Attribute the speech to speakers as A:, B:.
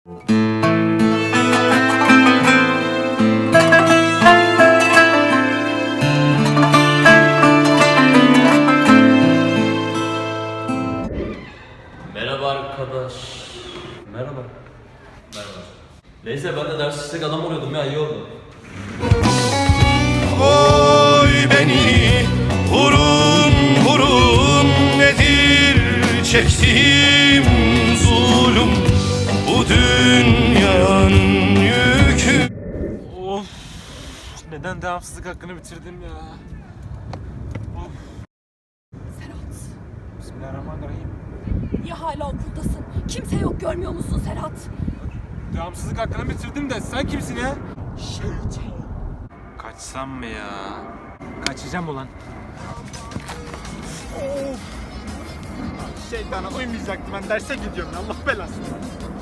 A: Merhaba arkadaş. Merhaba. Merhaba. Neyse ben de ders işlek adam oluyordum ya, iyi oldu.
B: Oy beni vurun vurun, nedir çektiğim zulüm, bu dünyanın yükü.
C: Of! Neden devamsızlık hakkını bitirdim ya? Of!
D: Serhat,
C: Bismillahirrahmanirrahim.
D: niye hala okuldasın? Kimse yok, görmüyor musun Serhat?
C: Devamsızlık hakkını bitirdim de sen kimsin ya?
D: Şeytan.
C: Kaçsam mı ya? Kaçacağım ulan.
E: Şeytana uymayacaktım, ben derse gidiyorum, Allah belasını.